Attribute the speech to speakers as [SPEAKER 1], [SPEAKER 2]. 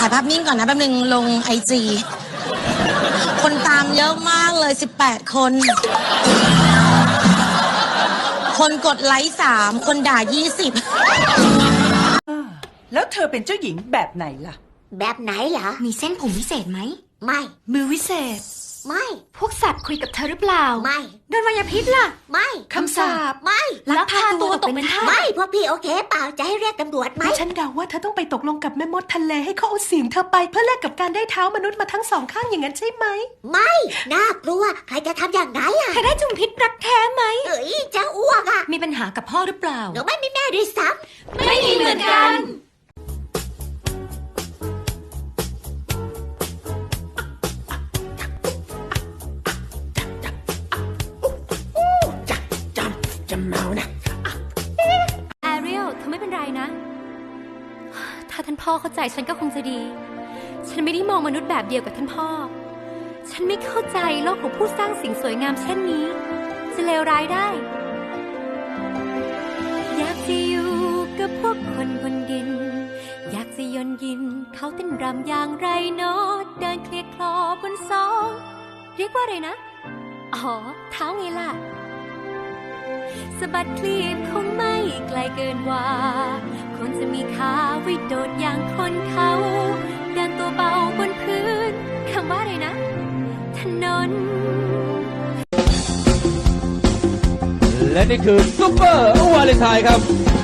[SPEAKER 1] ถ่ายภาพนิ่งก่อนนะแป๊บนึงลงIG คนตามเยอะมากเลย18 คน คนกดไลค์3 คนด่า20
[SPEAKER 2] แล้วเธอเป็นเจ้าหญิงแบบไหนล่ะ
[SPEAKER 3] แบบไหนเหรอ
[SPEAKER 4] มีเส้นผมวิเศษไหม
[SPEAKER 3] ไม่
[SPEAKER 4] มือวิเศษ
[SPEAKER 3] ไม่
[SPEAKER 4] พวกสัตว์คุยกับเธอหรือเปล่า
[SPEAKER 3] ไม่
[SPEAKER 4] โดนมายาพิษล่ะ
[SPEAKER 3] ไม่
[SPEAKER 2] คำสาป
[SPEAKER 3] ไม่
[SPEAKER 4] ลักพาตัวตกเป็นทาส
[SPEAKER 3] ไม่พวกพี่โอเคเปล่าจะให้เรียกตำรวจไหม
[SPEAKER 2] ฉันเดาว่าเธอต้องไปตกลงกับแม่มดทะเลให้เขาเอาเสียงเธอไปเพื่อแลกกับการได้เท้ามนุษย์มาทั้งสองข้างอย่างนั้นใช่ไหม
[SPEAKER 3] ไม่น่ากลัวใครจะทำอย่างนั้นล่ะ
[SPEAKER 4] เธอได้จุ่มพิษรักแท้ไหม
[SPEAKER 3] เอ้ยจะอ้วกอ่ะ
[SPEAKER 4] มีปัญหากับพ่อหรือเปล่า
[SPEAKER 3] หนูไม่มีแม่ด้วยซ้
[SPEAKER 4] ำไม่มีเหมือนกันแอเรียลเธอไม่เป็นไรนะถ้าท่านพ่อเข้าใจฉันก็คงจะดีฉันไม่ได้มองมนุษย์แบบเดียวกับท่านพ่อฉันไม่เข้าใจโลกของผู้สร้างสิ่งสวยงามเช่นนี้จะเลวร้ายได้อยากจะอยู่กับพวกคนบนดินอยากจะยนยินเขาเต้นรำอย่างไรเนาะเดินเคลียร์คลอบนซองเรียกว่าอะไรนะอ๋อเท้าไงล่ะสะบัดคลีบคงไม่ไกลเกินว่าคนจะมีขาไว้โดดอย่างคนเขาเดินตัวเบาบนพื้นคำว่าอะไรนะถนน
[SPEAKER 5] และนี่คือซุปเปอร์วาเลนไทน์ครับ